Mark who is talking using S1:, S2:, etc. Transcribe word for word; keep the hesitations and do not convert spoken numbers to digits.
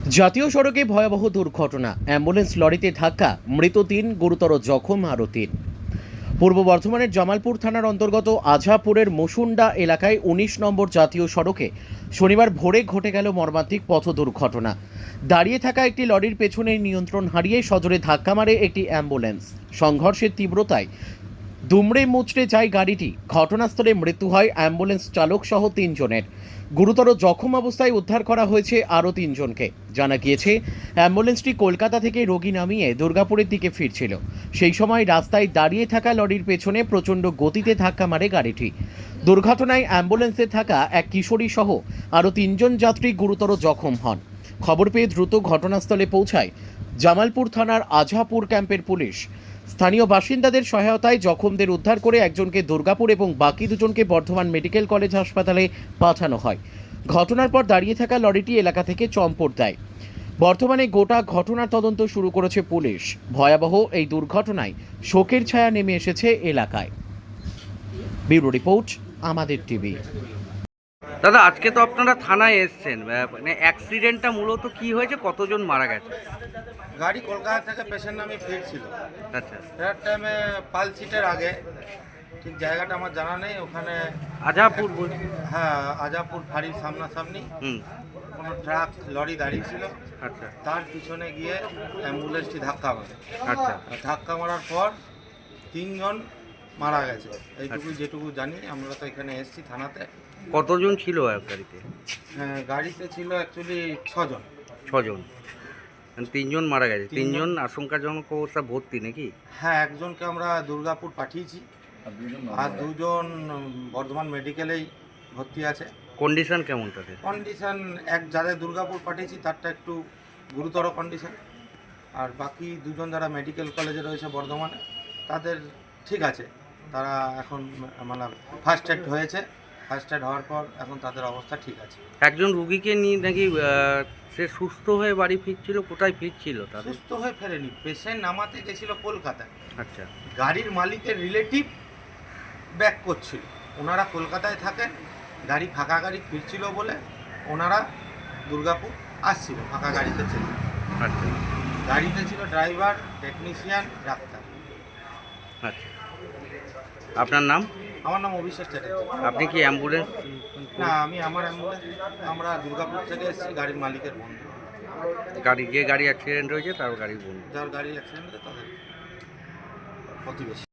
S1: জাতীয় সড়কে ভয়াবহ দুর্ঘটনা, অ্যাম্বুলেন্স লরিতে ধাক্কা, মৃত তিন, গুরুতর জখম আরও তিন। পূর্ব বর্ধমানের জামালপুর থানার অন্তর্গত আঝাপুরের মুসুন্ডা এলাকায় উনিশ নম্বর জাতীয় সড়কে শনিবার ভোরে ঘটে গেল মর্মান্তিক পথ দুর্ঘটনা। দাঁড়িয়ে থাকা একটি লরির পেছনে নিয়ন্ত্রণ হারিয়ে সজোরে ধাক্কা মারে একটি অ্যাম্বুলেন্স। সংঘর্ষের তীব্রতায় দুমড়ে মুচড়ে যায় গাড়িটি। ঘটনাস্থলে মৃত্যু হয় অ্যাম্বুলেন্স চালক সহ তিনজনের। গুরুতর জখম অবস্থায় উদ্ধার করা হয়েছে আরও তিনজনকে। জানা গিয়েছে, অ্যাম্বুলেন্সটি কলকাতা থেকে রোগী নামিয়ে দুর্গাপুরের দিকে ফিরছিল। সেই সময় রাস্তায় দাঁড়িয়ে থাকা লরির পেছনে প্রচণ্ড গতিতে ধাক্কা মারে গাড়িটি। দুর্ঘটনায় অ্যাম্বুলেন্সে থাকা এক কিশোরী সহ আরও তিনজন যাত্রী গুরুতর জখম হন। খবর পেয়ে দ্রুত ঘটনাস্থলে পৌঁছায় জামালপুর থানার আঝাপুর ক্যাম্পের পুলিশ। স্থানীয় বাসিন্দাদের সহায়তায় জখমদের উদ্ধার করে একজনকে দুর্গাপুর এবং বাকি দুজনকে বর্ধমান মেডিকেল কলেজ হাসপাতালে পাঠানো হয়। ঘটনার পর দাঁড়িয়ে থাকা লরিটি এলাকা থেকে চম্পট দেয়। বর্তমানে গোটা ঘটনার তদন্ত শুরু করেছে পুলিশ। ভয়াবহ এই দুর্ঘটনায় শোকের ছায়া নেমে এসেছে এলাকায়। ব্যুরো রিপোর্ট, আমাদের টিভি।
S2: দাদা, আজকে তো আপনারা থানায় এসছেন, মানে অ্যাক্সিডেন্টটা মূলত কি হয়েছে, কতজন মারা গেছে?
S3: গাড়ি কলকাতা থেকে পেশেন্ট নামে ফিরছিল।
S2: আচ্ছা,
S3: ফেরার টাইমে পাল সিটের আগে, ঠিক জায়গাটা আমার জানা নেই, ওখানে
S2: আজাপুর বল-
S3: হ্যাঁ আজাপুর ফাঁড়ির সামনাসামনি
S2: হুম
S3: কোনো ট্রাক লরি দাঁড়িয়ে ছিল।
S2: আচ্ছা
S3: তার পিছনে গিয়ে অ্যাম্বুলেন্সটি ধাক্কা মারে।
S2: আচ্ছা
S3: আর ধাক্কা মারার পর তিনজন মারা গেছে, এইটুকু যেটুকু জানি। আমরা তো এখানে এসেছি থানাতে।
S2: কতজন ছিল আর গাড়িতে?
S3: হ্যাঁ, গাড়িতে ছিল অ্যাকচুয়ালি ছজন।
S2: ছজন, মানে তিনজন মারা গেছে।
S3: তিনজন।
S2: তিনজন আশঙ্কাজনক অবস্থা ভর্তি নাকি?
S3: হ্যাঁ, একজনকে আমরা দুর্গাপুর পাঠিয়েছি, আর দুজন বর্ধমান মেডিকেলেই ভর্তি আছে।
S2: কন্ডিশন কেমন তাদের?
S3: কন্ডিশন এক যাদের দুর্গাপুর পাঠিয়েছি তারটা একটু গুরুতর কন্ডিশন, আর বাকি দুজন যারা মেডিকেল কলেজে রয়েছে বর্ধমানে তাদের ঠিক আছে। তারা এখন মানে ফার্স্ট এড হয়েছে, ফার্স্ট এড হওয়ার পর এখন তাদের অবস্থা ঠিক আছে।
S2: একজন রুগীকে নিয়ে নাকি আহ, সে সুস্থ হয়ে বাড়ি ফিরছিল, কোথায় ফিরছিল তাদের?
S3: সুস্থ হয়ে ফেরেনি, পেশেন্ট নামাতে গেছিল কলকাতায়।
S2: আচ্ছা
S3: গাড়ির মালিকের রিলেটিভ ব্যাক করছিল, ওনারা কলকাতায় থাকেন। গাড়ি ফাঁকা গাড়ি ফিরছিল বলে ওনারা দুর্গাপুর আসছিল, ফাঁকা গাড়িতে ছিল।
S2: আচ্ছা
S3: গাড়িতে ছিল ড্রাইভার, টেকনিশিয়ান, ডাক্তার।
S2: আচ্ছা, আপনার নাম?
S3: আমার নাম অভিষেক চ্যাটার্জি।
S2: আপনি কি অ্যাম্বুলেন্স?
S3: না, আমি আমার অ্যাম্বুলেন্স, আমরা দুর্গাপুর থেকে এসেছি, গাড়ির মালিকের বন্ধু।
S2: গাড়ি যে গাড়ি অ্যাক্সিডেন্ট হয়েছে তার গাড়ি বন্ধু।
S3: যার গাড়ি অ্যাক্সিডেন্ট হয়েছে তাদের প্রতিবেশী।